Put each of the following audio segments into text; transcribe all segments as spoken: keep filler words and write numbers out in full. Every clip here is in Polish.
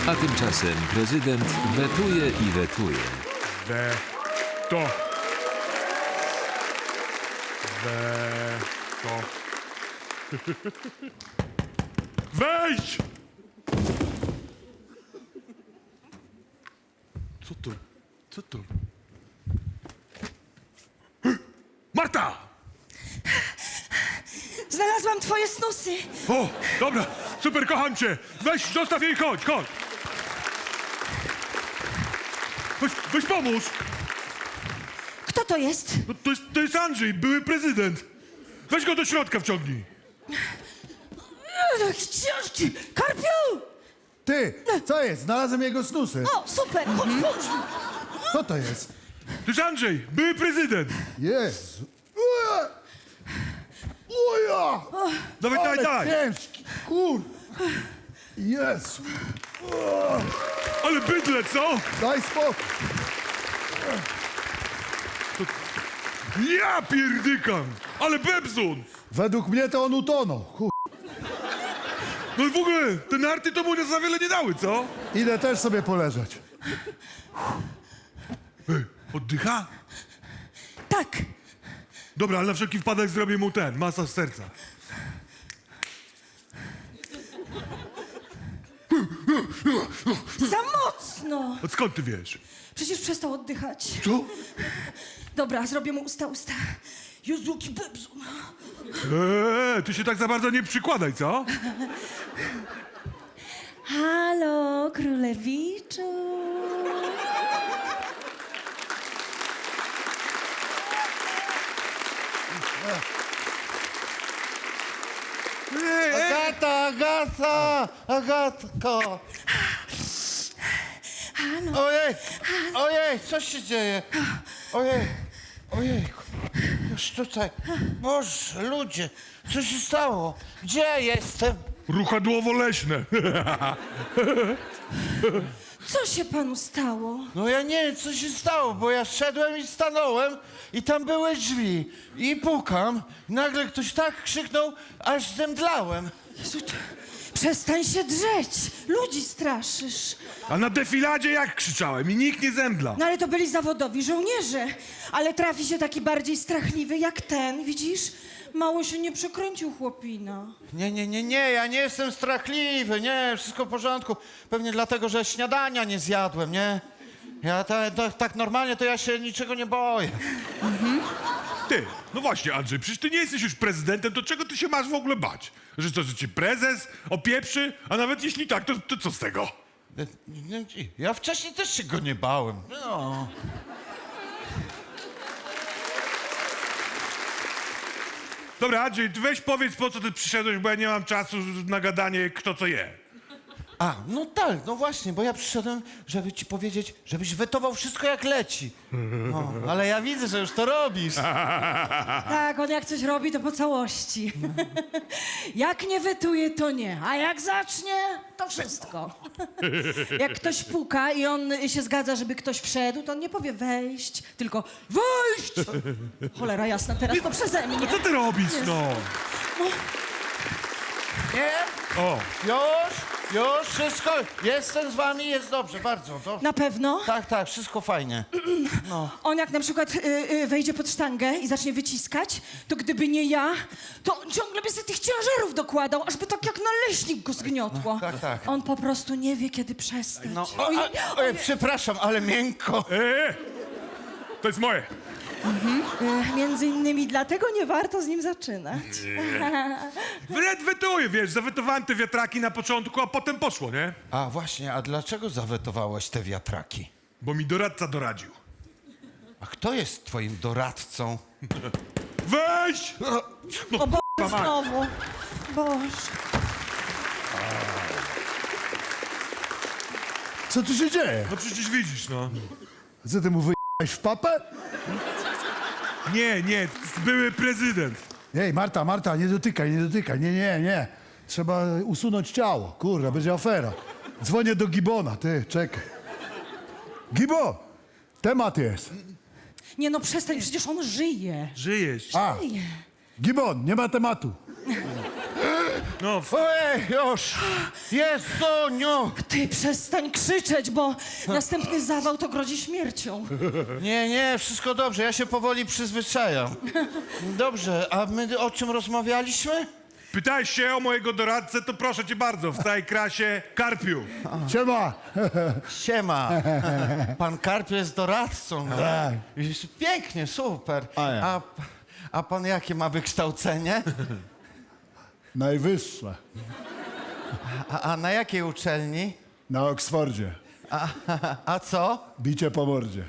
A tymczasem prezydent wetuje i wetuje. We... to. We... to. Wejdź! Co to? Co to? Marta! Znalazłam twoje snusy. O, dobra, super, kocham cię. Weź, zostaw jej, chodź, chodź. Weź, weź pomóż. Kto to jest? No, to, jest, to jest Andrzej, były prezydent. Weź go do środka wciągnij. Książki! Karpiu! Ty, co jest? Znalazłem jego snusy. O, super! Chodź, pomóż mi. Co to jest? To jest Andrzej, były prezydent. Jezu. Ue! Uja! Dawaj, daj, Ale daj. ciężki, kur... Jezu. Ale bydle, co? Daj spokój. Ja pierdykam. Ale bebzun. Według mnie to on utonął. Kur... No i w ogóle, te narty to mu za wiele nie dały, co? Idę też sobie poleżeć. Ej, oddycha? Tak. Dobra, ale na wszelki wypadek zrobię mu ten, masaż serca. Za mocno. A skąd ty wiesz? Przecież przestał oddychać. Co? Dobra, zrobię mu usta, usta. Jezu, jaki bebzun. Eee, ty się tak za bardzo nie przykładaj, co? Halo, królewiczu. Ej, ej. Agata, Agata, Agatko. Halo. Ojej, ojej, co się dzieje? Ojej, ojej, już tutaj. Boże, ludzie, co się stało? Gdzie ja jestem? Ruchadłowo-leśne. Co się panu stało? No ja nie wiem, co się stało, bo ja szedłem i stanąłem i tam były drzwi. I pukam, nagle ktoś tak krzyknął, aż zemdlałem. Jezu, ty- przestań się drzeć. Ludzi straszysz. A na defiladzie jak krzyczałem i nikt nie zemdla. No ale to byli zawodowi żołnierze. Ale trafi się taki bardziej strachliwy jak ten, widzisz? Mało się nie przekręcił chłopina. Nie, nie, nie, nie, ja nie jestem strachliwy, nie, wszystko w porządku. Pewnie dlatego, że śniadania nie zjadłem, nie? Ja ta, ta, tak normalnie to ja się niczego nie boję. Ty, no właśnie Andrzej, przecież ty nie jesteś już prezydentem, to czego ty się masz w ogóle bać? Że co, że cię prezes opieprzy? A nawet jeśli tak, to, to co z tego? Ja wcześniej też się go nie bałem. No. Dobra, Andrzej, ty weź powiedz, po co ty przyszedłeś, bo ja nie mam czasu na gadanie, kto co je. A, no tak, no właśnie, bo ja przyszedłem, żeby ci powiedzieć, żebyś wetował wszystko jak leci. No, ale ja widzę, że już to robisz. Tak, on jak coś robi, to po całości. Jak nie wetuje, to nie. A jak zacznie, to wszystko. Jak ktoś puka i on się zgadza, żeby ktoś wszedł, to on nie powie wejść, tylko wejść! Cholera jasna, teraz to przeze mnie. No co ty robisz, no? Nie? O, Już, już, wszystko, jestem z wami, jest dobrze, bardzo dobrze. Na pewno? Tak, tak, wszystko fajnie. On jak na przykład y, y, wejdzie pod sztangę i zacznie wyciskać, to gdyby nie ja, to on ciągle by sobie tych ciężarów dokładał, ażby tak jak naleśnik go zgniotło. tak, tak. On po prostu nie wie, kiedy przestać. No, o, Ojej, a, ojej, przepraszam, ale miękko. eee, to jest moje. y, między innymi dlatego nie warto z nim zaczynać. Wred wetuję, wiesz, zawetowałem te wiatraki na początku, a potem poszło, nie? A właśnie, a dlaczego zawetowałeś te wiatraki? Bo mi doradca doradził. A kto jest twoim doradcą? Weź! O Boże, znowu. Boże. Co tu się dzieje? No przecież widzisz, no. Co ty mu wyjechałeś w papę? Nie, nie, były prezydent. Ej, Marta, Marta, nie dotykaj, nie dotykaj. Nie, nie, nie. Trzeba usunąć ciało. Kurwa, będzie afera. Dzwonię do Gibona, ty, czekaj. Gibo, temat jest. Nie no, przestań, przecież on żyje. Żyjesz. A, Żyje. Gibon, nie ma tematu. No, f- Ojej, już! Jezuniu! Ty przestań krzyczeć, bo następny zawał to grozi śmiercią. Nie, nie, wszystko dobrze, ja się powoli przyzwyczajam. Dobrze, a my o czym rozmawialiśmy? pytałeś się o mojego doradcę, to proszę cię bardzo, w całej krasie Karpiu. Siema. Siema. Pan Karp jest doradcą. No? Tak. Pięknie, super. A ja. A, a pan jakie ma wykształcenie? Najwyższe. A, a na jakiej uczelni? Na Oksfordzie. A, a co? Bicie po mordzie.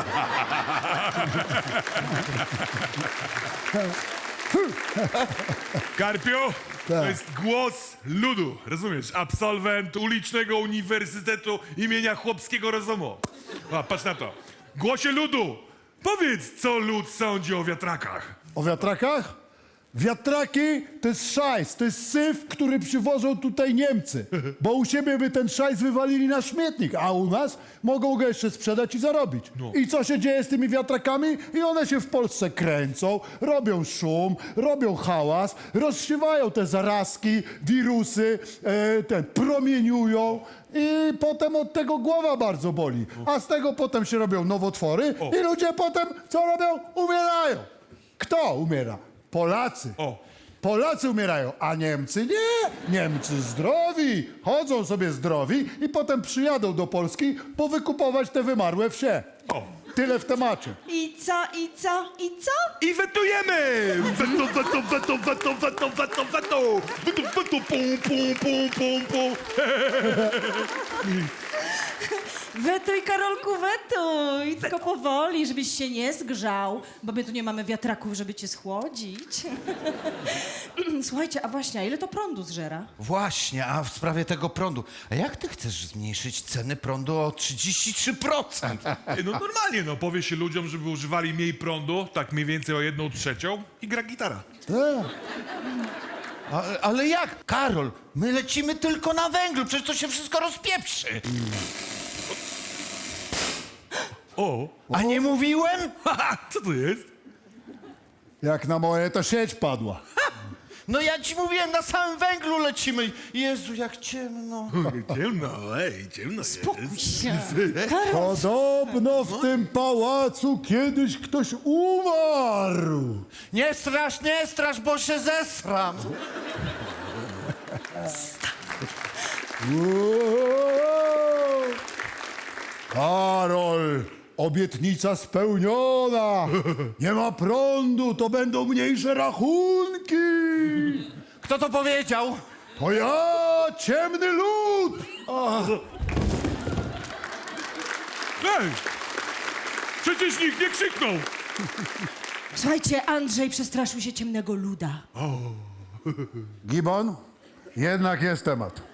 Karpiu, to Tak. jest głos ludu, rozumiesz? Absolwent ulicznego Uniwersytetu imienia Chłopskiego Rozumu. A, patrz na to. Głosie ludu, powiedz, co lud sądzi o wiatrakach. O wiatrakach? Wiatraki to jest szajs, to jest syf, który przywożą tutaj Niemcy. Bo u siebie by ten szajs wywalili na śmietnik, a u nas mogą go jeszcze sprzedać i zarobić. I co się dzieje z tymi wiatrakami? I one się w Polsce kręcą, robią szum, robią hałas, rozsiewają te zarazki, wirusy, e, ten, promieniują i potem od tego głowa bardzo boli. A z tego potem się robią nowotwory i ludzie potem co robią? Umierają. Kto umiera? Polacy. O. Polacy umierają, a Niemcy nie. Niemcy zdrowi, chodzą sobie zdrowi i potem przyjadą do Polski powykupować te wymarłe wsie. O. Tyle w temacie. I co, i co, i co? I wetujemy! Weto, weto, weto, weto, weto, weto, weto! Weto, weto, pum, pum, pum, pum, pum. Wetuj, Karolku, wetuj. Tylko powoli, żebyś się nie zgrzał, bo my tu nie mamy wiatraków, żeby cię schłodzić. Słuchajcie, a właśnie, a ile to prądu zżera? Właśnie, a w sprawie tego prądu. A jak ty chcesz zmniejszyć ceny prądu o trzydzieści trzy procent? Ej, No normalnie, no powie się ludziom, żeby używali mniej prądu, tak mniej więcej o jedną trzecią i gra gitara. Tak. Ale, ale jak? Karol, my lecimy tylko na węglu, przecież to się wszystko rozpieprzy. O, A nie mówiłem? haha, co to jest? Jak na moje to sieć padła. No ja ci mówiłem, na samym węglu lecimy. Jezu, jak ciemno. Ciemno, ej, ciemno Spokój jest. się. Karol, Podobno w tym pałacu kiedyś ktoś umarł. Nie strasz, nie strasz, bo się zesram. Uuu. Karol, obietnica spełniona. Nie ma prądu, to będą mniejsze rachunki. Kto to powiedział? To ja, ciemny lud. Ej, przecież nikt nie krzyknął. słuchajcie, Andrzej przestraszył się ciemnego luda. Gibon, jednak jest temat.